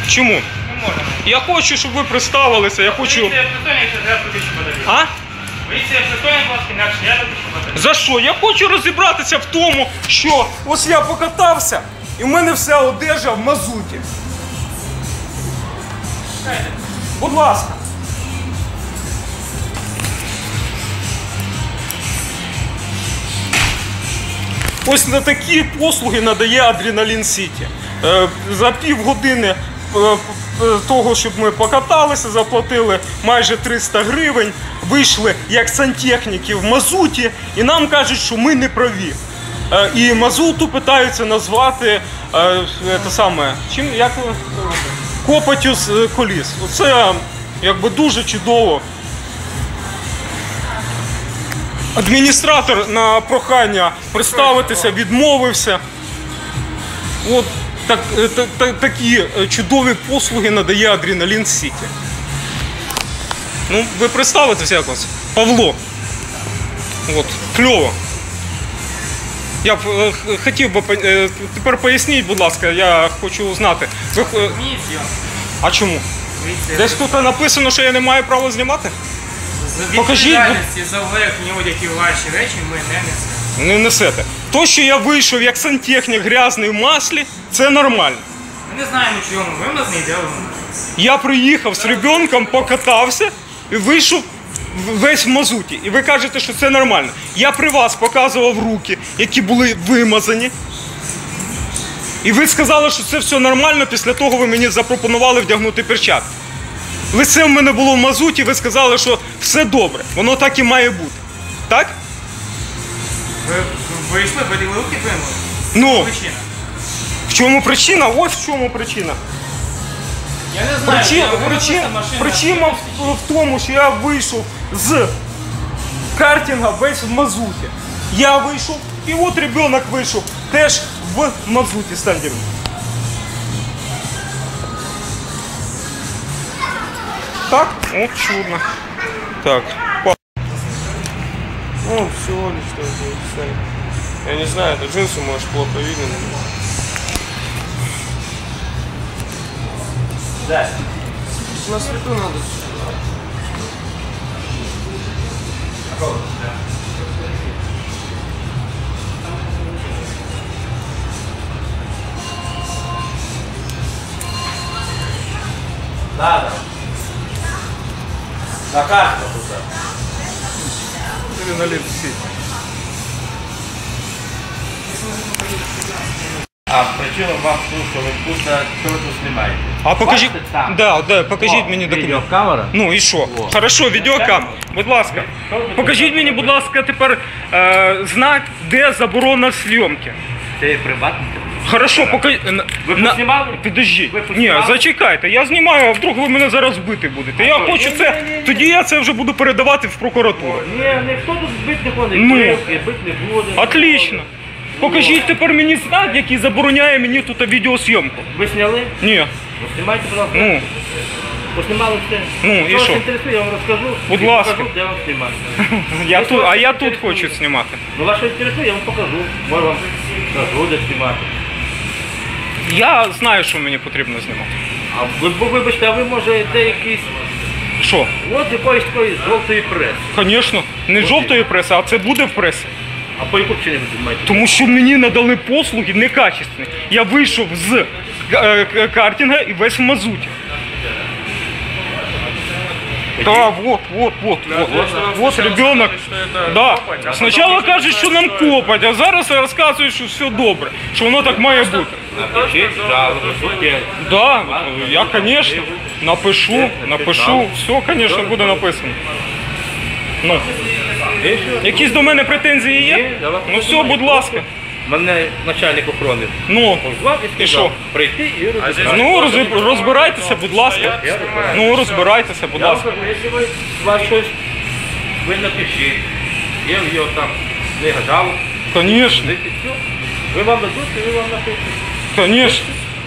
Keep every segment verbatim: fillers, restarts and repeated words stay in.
Чому? Не можна. Я хочу, щоб ви представилися, я хочу... Поліція притольна, якщо треба тисячу батарей. А? Поліція притольна, будь ласка, інакше я тисячу батарей. За що? Я хочу розібратися в тому, що ось я покатався, і в мене вся одежа в мазуті. Будь ласка. Ось на такі послуги надає Адреналін Сіті. За півгодини того, щоб ми покаталися, заплатили майже триста гривень, вийшли як сантехніки в мазуті, і нам кажуть, що ми не праві. І мазуту питаються назвати те саме, чим, як, копотю з коліс. Оце якби дуже чудово. Адміністратор на прохання представитися відмовився. От так, так, так, такі чудові послуги надає Адреналін Сіті. Ну, ви представитеся як вас? Павло. От, кльово. Я б е, хотів би, е, тепер поясніть, будь ласка, я хочу знати. Ви, е, Ні, зйом. а чому? Десь тут написано, що я не маю права знімати? Покажіть, Відповідальності за верхні одяги ваші речі ми не несемо. Не несете. То, що я вийшов як сантехнік грязний в маслі, це нормально. Ми не знаємо, чому. Ви в нас не йдемо. Я приїхав з ребенком, покатався і вийшов весь в мазуті. І ви кажете, що це нормально. Я при вас показував руки, які були вимазані. І ви сказали, що це все нормально, після того ви мені запропонували вдягнути перчатки. Лице в мене було в мазуті, ви сказали, що все добре, воно так і має бути. Так? Ви вийшли, поділи руки вимили? Ну, Причина. в чому причина? Ось в чому причина. Я не знаю, Причина, я вимила причина, машина. причина в, в тому, що я вийшов з картинга весь в мазуті. Я вийшов, і от ребенок вийшов теж в мазуті стендеру. Так? О, чудно. Так. Ну, всего лишь что это. Я не знаю, это джинсы, может, плохо видно. Да. На свету надо. Да, да. На карту туда. Адреналін Сіті. А причина вам в тому, що ви тут, що ви тут знімаєте? А покажіть, Бачите там? да, да, покажіть О, мені документ. відеокамера. Ну і що? О. Хорошо, відеокамера. Будь ласка. Покажіть мені, будь ласка, тепер е, знак, де заборона зйомки. Це є приватний. Хорошо, покажіть. Ви познімали? Підождіть. Ви Ні, познімали? зачекайте, я знімаю, а вдруг ви мене зараз бити будете. Я що? хочу Ні, це, ні, ні, ні. тоді я це вже буду передавати в прокуратуру. Ні, ніхто тут бити не ходить, Ну. бити не буде. Отлично. Покажіть тепер мені знак, який забороняє мені тут відеозйомку. Ви зняли? Ні. Ну, знімайте, будь ласка. Ну, Познімали все. Ну, і Що вас що? інтересує, я вам розкажу. Будь і ласка. покажу, де вам знімати. я Ви тут, що а вас я тут інтересує? хочу знімати. Ну, вас що інтересує, я вам покажу. Може вам скажу, де знімати. Я знаю, що мені потрібно знімати. А ви, бо, вибачте, а ви може де якийсь... Що? От якоїсь такої жовтої преси. Звісно, не жовтої преси, а це буде в пресі. А по яку причині ви знімаєте? Тому що мені надали послуги некачественні. Я вийшов з е, к- картинга і весь в мазуті. Да, вот, вот, вот, вот, вот ребенок. Да. Спочатку кажуть, що нам копать, а зараз розказують, що все добре, що воно так має бути. Напишіть жалобу, судді. Да, я, конечно, напишу, напишу, все, конечно, буде написано. Ну, якісь до мене претензії є? Ну все, будь ласка. Мене начальник охорони Ну, позвав і і що? сказав прийти і розібрати. Ну, роз- розбирайтеся, будь ласка. Ну, розбирайтеся, будь Я вам ласка. кажу, якщо ви у вас щось, ви напишіть. Я його там не гадав. Конечно, Ви вам дадуть, і ви вам напишете. конечно.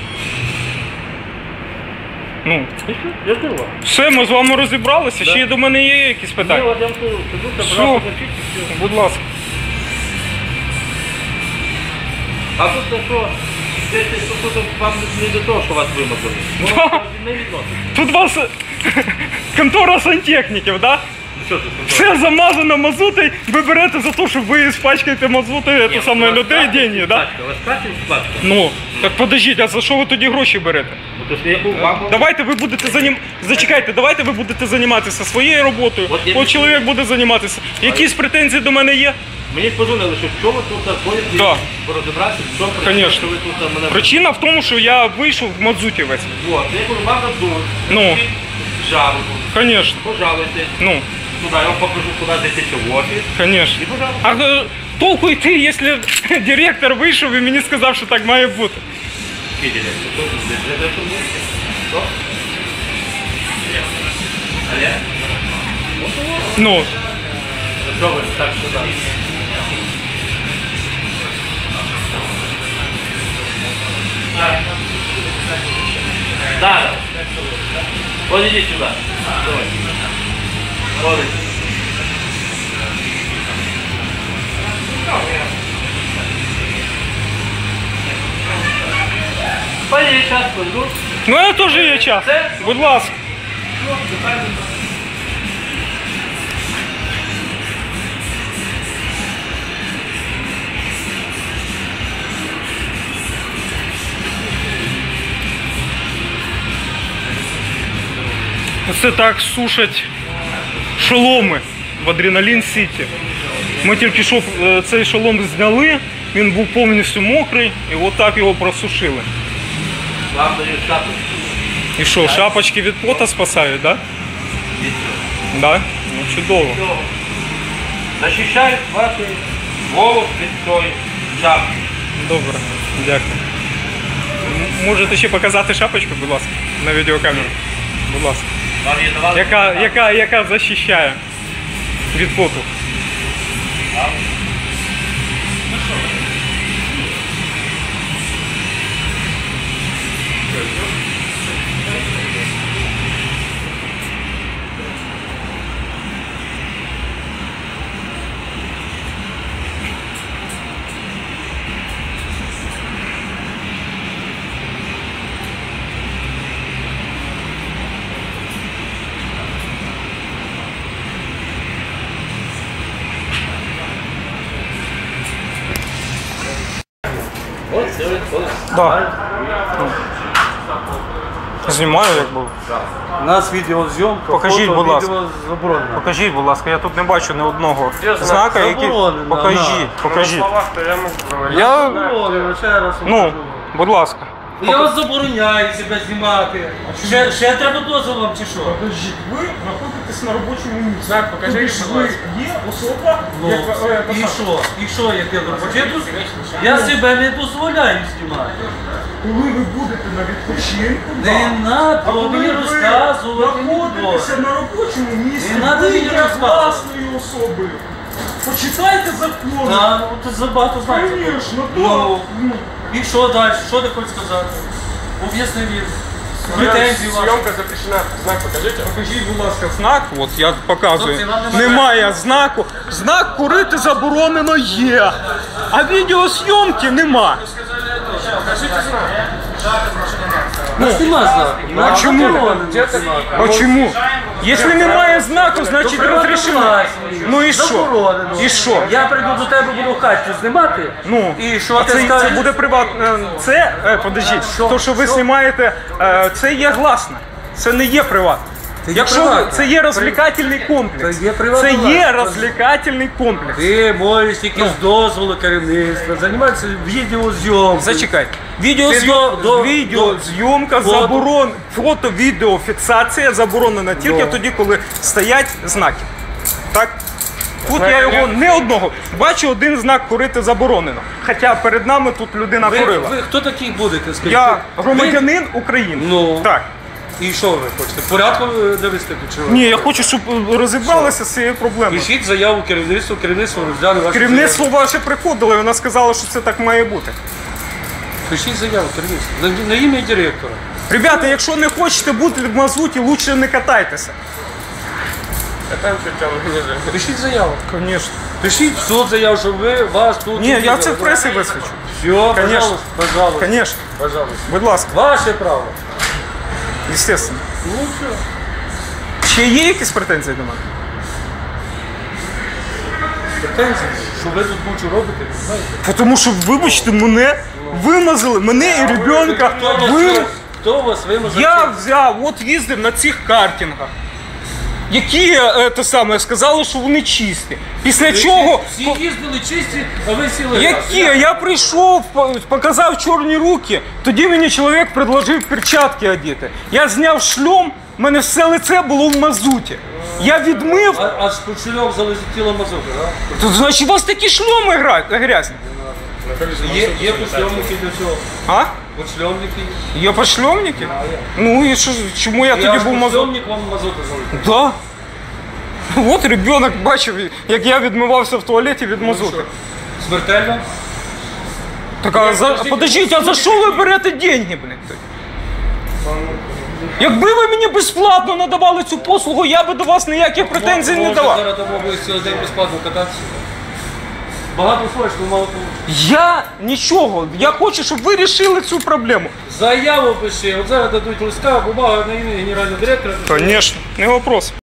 Ну, І що? Я жду вас. все, ми з вами розібралися. Ще до мене є якісь Ні, питання? от я вам кажу, сиду, Все. забрати, напишіть, і все. Будь ласка. А тут те, що Це, це, це, це вам не до того, що вас вимазали. Воно не відносить. Тут вас контора сантехніків, да? Ну що тут? Все замазано мазутою, ви берете за те, що ви спачкаєте мазутою Ні, це саме у вас людей платять, деньги, да? У вас платять сплатка? Ну, так подождіть, а за що ви тоді гроші берете? Ну, то ж яку вам... Давайте ви будете занім... Зачекайте, давайте ви будете займатися своєю роботою, От я от не- чоловік буде займатися. Якісь претензії до мене є? Мені позвонили, що що ви тут ходите, Да. порозібратися, що причина, Конечно. що ви тут мене... Причина в тому, що я вийшов в мазуті весь. Вот, я кажу, вам дадуть. Ну. Жалобу. Конечно. Пожалуйте. Ну, Туди, я вам покажу, куди зайти в офіс. конечно. І пожалуйста. А е, толку йти, якщо директор вийшов і мені сказав, що так має бути. Видели, что тут здесь? Это что будет? Что? Олег? Ну, Что вы так сюда? Да. Да. Вот иди сюда. Давай. Вот иди. Пойди, сейчас пойду. ну я теж є час. Будь ласка. Це так сушать шоломи в Адреналін Сіті. Ми тільки що е, цей шолом зняли, він був повністю мокрий і отак його просушили. Вам даю шапку. І що, шапочки від пота спасають, так? Да? Да? Ну чудово. Защищают ваши голову від цієї шапки. Добре, дякую. М- Можете ще показати шапочку, будь ласка, на відеокамеру. Будь ласка. Вам її давали? Яка, яка, яка захищає від поту. Ось, ось, ось. Да. Знімаю, як був. У нас відеозйомка, Покажіть, фото, будь ласка. відео заборонено. Покажіть, будь ласка, я тут не бачу ні одного Де знак? знака, який. Заборонено, Покажіть, да. покажіть. то я можу. Я. Заборонено, ще раз. Ну, покажу. будь ласка. Я вас забороняю себе знімати. Ще, ще треба дозвіл вам чи що? Подождіть, ви знаходитесь на робочому місці. Так, покажи, будь ласка. є особа, Ну, і що? І що, як я робочу? Я себе не дозволяю знімати. Коли ви будете на відпочинку, Не а треба коли мені ви розказувати. не знаходитеся треба. на робочому місці, Не надо ви мені є розказувати. власною особою. Почитайте закон. Та, ну, ти забагато знаєш. Конечно, Ну, ну. і що далі? Що ти хочеш сказати? Об'ясни мені. Претензії ваші. Зйомка запрещена. Знак покажите. Покажіть, будь ласка, знак, от я показую. Хлопці, вам немає- Немає знаку. Знак курити заборонено є. А відеозйомки нема. У нас нема знаку. А чому? Заборонено. А чому? Якщо немає знаку, значить розрішено. Ну і що? Заборонено. І що? Я прийду до тебе, буду в хаті знімати. Ну, І що а ти це, скажеш? це буде приватне. Це, е, подождіть, Що? то, що ви Що? знімаєте, е, це є гласне. Це не є приватне. Це є Якщо ви, приватне. це є розвлекательний комплекс. Це є приватна Це є власність. розвлекательний комплекс. Ти можеш тільки з дозволу керівництва займатися відеозйомкою. Зачекайте. Ти Відеозйом... до- до- Відеозйомка фото. заборон... Фото-відеофіксація заборонена тільки Ну. тоді, коли стоять знаки. Так? Тут я його не одного. Бачу один знак курити заборонено. Хоча перед нами тут людина Ви, курила. ви хто такий будете? Скажіть? Я Ви- громадянин України. Ну. Так. І що ви хочете? Порядку довести до чого? Ні, я хочу, щоб розібралися з цією проблемою. Пишіть заяву керівництву, керівництво розгляне вашу Керівництво заяву. ваше приходило і вона сказала, що це так має бути. Пишіть заяву керівництву. На, на ім'я директора. Ребята, якщо не хочете бути в мазуті, лучше не катайтеся. Катаемся, тебя организуем. Пишіть заяву. Звісно. Пишіть в суд заяву, що ви вас тут. Ні, я це в пресі висвічу. Все, Конечно. пожалуйста, пожалуйста. Звісно, Пожалуйста. будь ласка, Ваше право. звісно. Ну що? Ще є якісь претензії до мене? Претензії? Що ви тут бучу робите, ви знаєте? Тому що, вибачте, мене вимазали, мене і ребенка Хто вас, вим... хто вас вимазав? Я взяв, от їздив на цих картингах, які е, те саме сказали, що вони чисті. Після чого. Всі їздили чисті, а ви сіли. Які? Я прийшов, по- показав чорні руки, тоді мені чоловік предложив перчатки одіти. Я зняв шльом, в мене все лице було в мазуті. Я відмив, А, аж під шльом залетіло мазука, так? то, значить у вас такі шльоми гра- грязні. Є, є подшльомники для цього. А? Подшльомники. Є пошльомники? Ну і що, чому я Я тоді аж був мазут? подшльомник вам мазука залетів. Да. От ребенок бачив, як я відмивався в туалеті від мазути. Смертельно? Так, а за... подождіть, а за що ви берете деньги, блядь? Якби ви мені безплатно надавали цю послугу, я би до вас ніяких претензій не Може, давав. зараз тому ви цілий день безплатно кататися. Багато хочеш, але мало получиш. Я нічого, я хочу, щоб ви рішили цю проблему. Заяву пиши, от зараз дадуть листка, бумага на ім'я генерального директора. Звісно, не вопрос.